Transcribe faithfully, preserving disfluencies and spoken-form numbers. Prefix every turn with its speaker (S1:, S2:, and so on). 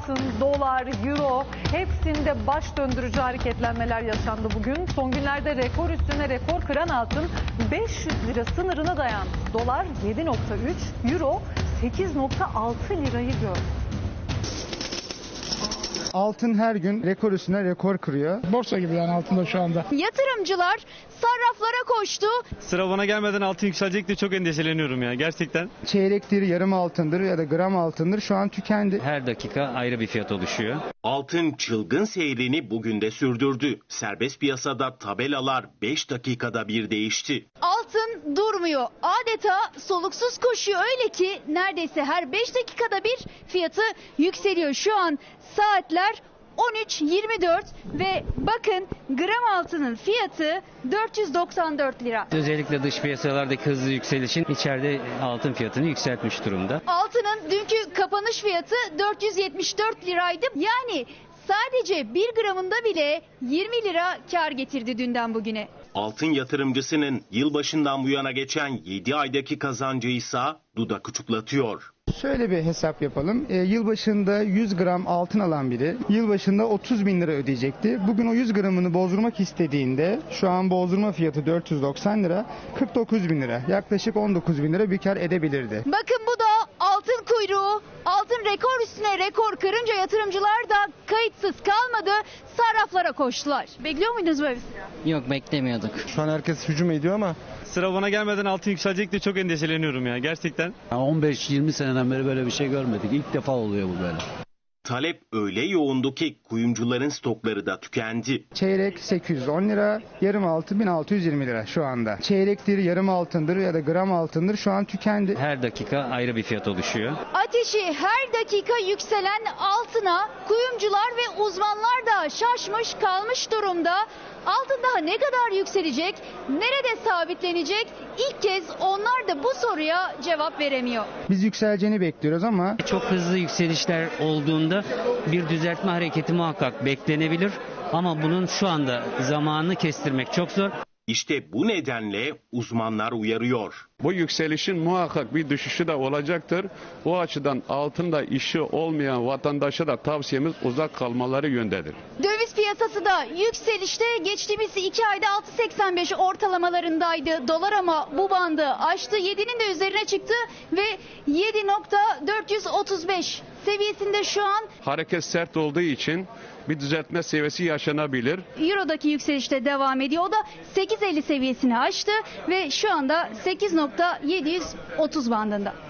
S1: altın, dolar, euro hepsinde baş döndürücü hareketlenmeler yaşandı bugün. Son günlerde rekor üstüne rekor kıran altın beş yüz lira sınırına dayandı. Dolar yedi nokta üç, euro sekiz nokta altı lirayı gördü.
S2: Altın her gün rekor üstüne rekor kırıyor.
S3: Borsa gibi yani altında şu anda.
S4: Yatırımcılar sarraflara koştu.
S5: Sıra bana gelmeden altın yükselecek diye çok endişeleniyorum ya gerçekten.
S2: Çeyrektir, yarım altındır ya da gram altındır şu an tükendi.
S6: Her dakika ayrı bir fiyat oluşuyor.
S7: Altın çılgın seyrini bugün de sürdürdü. Serbest piyasada tabelalar beş dakikada bir değişti.
S4: Altın durmuyor. Adeta soluksuz koşuyor, öyle ki neredeyse her beş dakikada bir fiyatı yükseliyor. Şu an saatler on üç yirmi dört ve bakın gram altının fiyatı dört yüz doksan dört lira.
S6: Özellikle dış piyasalardaki hızlı yükselişin içeride altın fiyatını yükseltmiş durumda.
S4: Altının dünkü kapanış fiyatı dört yüz yetmiş dört liraydı. Yani sadece bir gramında bile yirmi lira kar getirdi dünden bugüne.
S7: Altın yatırımcısının yılbaşından bu yana geçen yedi aydaki kazancı ise dudak uçuklatıyor.
S2: Şöyle bir hesap yapalım. E, yılbaşında yüz gram altın alan biri yılbaşında otuz bin lira ödeyecekti. Bugün o yüz gramını bozdurmak istediğinde şu an bozdurma fiyatı dört yüz doksan lira, kırk dokuz bin lira. Yaklaşık on dokuz bin lira bir kar edebilirdi.
S4: Bakın bu da altın kuyruğu. Altın rekor üstüne rekor kırınca yatırımcılar da kayıtsız kalmadı. Sarraflara koştular. Bekliyor muydunuz böyle bir sıra?
S6: Yok, beklemiyorduk.
S2: Şu an herkes hücum ediyor ama
S5: Sıra bana gelmeden altın yükselecek diye çok endişeleniyorum ya gerçekten.
S8: on beş yirmi seneden beri böyle bir şey görmedik. İlk defa oluyor bu böyle.
S7: Talep öyle yoğundu ki kuyumcuların stokları da tükendi.
S2: çeyrek sekiz yüz on lira, yarım altın bin altı yüz yirmi lira şu anda. Çeyrektir, yarım altındır ya da gram altındır şu an tükendi.
S6: Her dakika ayrı bir fiyat oluşuyor.
S4: Ateşi her dakika yükselen altına kuyumcular ve uzmanlar da şaşmış kalmış durumda. Altın daha ne kadar yükselecek, nerede sabitlenecek? İlk kez onlar da bu soruya cevap veremiyor.
S2: Biz yükseleceğini bekliyoruz ama
S6: Çok hızlı yükselişler olduğunda bir düzeltme hareketi muhakkak beklenebilir. Ama bunun şu anda zamanını kestirmek çok zor.
S7: İşte bu nedenle uzmanlar uyarıyor.
S9: Bu yükselişin muhakkak bir düşüşü de olacaktır. O açıdan altında işi olmayan vatandaşa da tavsiyemiz uzak kalmaları yöndedir.
S4: Döviz piyasası da yükselişte, geçtiğimiz iki ayda altı seksen beş ortalamalarındaydı. Dolar ama bu bandı aştı, yedinin de üzerine çıktı ve yedi nokta dört yüz otuz beş seviyesinde şu an.
S9: Hareket sert olduğu için bir düzeltme seviyesi yaşanabilir.
S4: Euro'daki yükselişte devam ediyor. O da sekiz elli seviyesini aştı ve şu anda sekiz nokta yedi yüz otuz bandında.